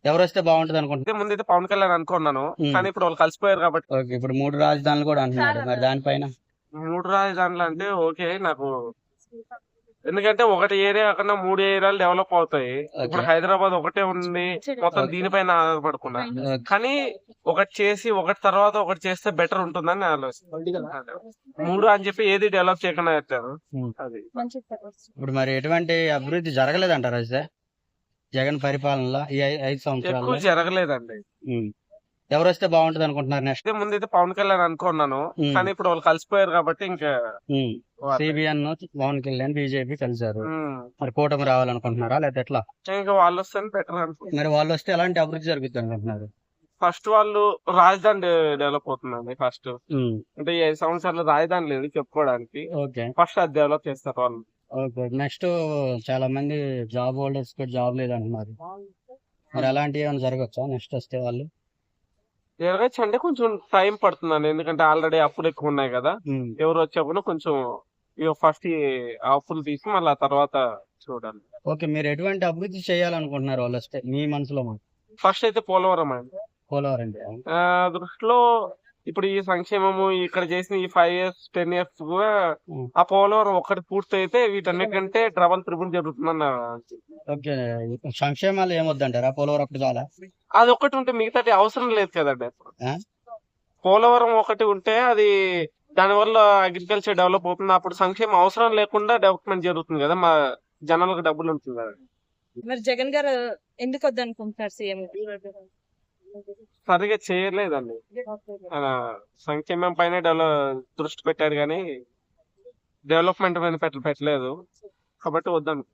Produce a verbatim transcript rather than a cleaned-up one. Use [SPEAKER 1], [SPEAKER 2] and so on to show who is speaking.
[SPEAKER 1] ఎవరొస్తే బాగుంటది అనుకుంటున్నారు?
[SPEAKER 2] అయితే ముందైతే పవన్ కళ్యాణ్ అనుకున్నాను,
[SPEAKER 1] ఉమ్,
[SPEAKER 2] కానీ ఇప్పుడు వాళ్ళు కలిసిపోయారు కాబట్టి
[SPEAKER 1] ఓకే. ఇప్పుడు మూడు రాజధానులు కూడా అంటున్నారు, మరి దానిపైన
[SPEAKER 2] మూడు రాజధానులు అంటే ఓకే నాకు. ఎందుకంటే ఒకటి ఏరియా కాకుండా మూడు ఏరియాలు డెవలప్ అవుతాయి. ఇప్పుడు
[SPEAKER 1] ఓకే.
[SPEAKER 2] హైదరాబాద్ ఒకటే ఉంది, మొత్తం
[SPEAKER 1] ఓకే.
[SPEAKER 2] దీనిపైన ఆధారపడకుండా.
[SPEAKER 1] ఓకే.
[SPEAKER 2] కానీ ఒకటి చేసి ఒకటి తర్వాత ఒకటి చేస్తే బెటర్ ఉంటుందని నా ఆలోచన. మూడు అని చెప్పి ఏది డెవలప్ చేయకుండా పెట్టారు.
[SPEAKER 1] ఉమ్.
[SPEAKER 2] అది
[SPEAKER 1] ఇప్పుడు మరి ఎటువంటి అభివృద్ధి జరగలేదంటారా అయితే జగన్ పరిపాలనలో ఈ ఐ- ఐదు
[SPEAKER 2] ఎక్కువ
[SPEAKER 1] సంవత్సరాల్లో?
[SPEAKER 2] జరగలేదండి.
[SPEAKER 1] ఉమ్. ఎవరొస్తే బాగుంటది అనుకుంటున్నారు నెక్స్ట్?
[SPEAKER 2] అయితే ముందైతే పవన్ కళ్యాణ్ అనుకున్నాను,
[SPEAKER 1] ఉమ్.
[SPEAKER 2] కానీ ఇప్పుడు వాళ్ళు కలిసిపోయారు కాబట్టి ఇంకా
[SPEAKER 1] ఉమ్.
[SPEAKER 2] వాళ్ళే.
[SPEAKER 1] సిబిఎన్ పవన్ కళ్యాణ్ బీజేపీ కలిశారు,
[SPEAKER 2] ఉమ్.
[SPEAKER 1] మరి కూటమి రావాలనుకుంటున్నారా లేదా ఎట్లా?
[SPEAKER 2] ఇంకా వాళ్ళు వస్తే బెటర్ అనుకుంటున్నాను.
[SPEAKER 1] మరి వాళ్ళు వస్తే ఎలాంటి అభివృద్ధి జరుగుతుంది అనుకుంటున్నారు?
[SPEAKER 2] ఫస్ట్ వాళ్ళు రాజధాని డె- డెవలప్ అవుతుందండి. First
[SPEAKER 1] um.
[SPEAKER 2] అంటే ఈ ఐదు సంవత్సరాలు రాజధాని లేదు చెప్పుకోవడానికి,
[SPEAKER 1] ఓకే.
[SPEAKER 2] ఫస్ట్ అది డెవలప్ చేస్తారు వాళ్ళు.
[SPEAKER 1] ఓకే. నెక్స్ట్ చాలా మంది జాబ్ హోల్డర్స్ కూడా జాబ్ లేదంటున్నారు, మరి అలాంటివి ఏమైనా జరగచ్చా నెక్స్ట్ వస్తే వాళ్ళు?
[SPEAKER 2] జరగచ్చు అంటే కొంచెం టైం పడుతుందండి, ఎందుకంటే ఆల్రెడీ అప్పులు ఎక్కువ ఉన్నాయి కదా.
[SPEAKER 1] ఉమ్.
[SPEAKER 2] ఎవరు వచ్చేప్పుడు కొంచెం ఇక ఫస్ట్ ఈ అప్పులు తీసి మళ్ళీ ఆ తర్వాత చూడాలి.
[SPEAKER 1] ఓకే. మీరు ఎటువంటి అభివృద్ధి చేయాలనుకుంటున్నారు వాళ్ళు వస్తే మీ మనసులో? మాట
[SPEAKER 2] ఫస్ట్ అయితే పోలవరం అండి.
[SPEAKER 1] పోలవరం అంటే
[SPEAKER 2] ఆ దృష్టిలో ఇప్పుడు ఈ సంక్షేమము ఇక్కడ చేసిన ఈ ఫైవ్ ఇయర్స్ టెన్ ఇయర్స్ కూడా
[SPEAKER 1] ఉమ్.
[SPEAKER 2] ఆ పోలవరం ఒక్కటి పూర్తి అయితే వీటన్నిటికంటే డబల్ త్రిబుల్ జరుగుతుందన్న.
[SPEAKER 1] ఓకే. సంక్షేమాలు ఏమొద్దంటారా? పోలవరం ఒకటి చాలా?
[SPEAKER 2] అది ఒక్కటి ఉంటే మిగతాది అవసరం లేదు కదండి.
[SPEAKER 1] ఆ?
[SPEAKER 2] పోలవరం ఒకటి ఉంటే అది దానివల్ల అగ్రికల్చర్ డెవలప్ అవుతుంది, అప్పుడు సంక్షేమం అవసరం లేకుండా డెవలప్మెంట్ జరుగుతుంది కదా, మా జనాలకు డబ్బులు ఉంటుంది కదా.
[SPEAKER 3] మరి జగన్ గారు ఎందుకు వద్దనుకుంటున్నారు సీఎం?
[SPEAKER 2] సరిగా చేయలేదండి. ఆయన సంక్షేమం పైన డెవలప్ దృష్టి పెట్టాడు కానీ డెవలప్మెంట్ పైన పెట్ట పెట్టలేదు కాబట్టి వద్దాను.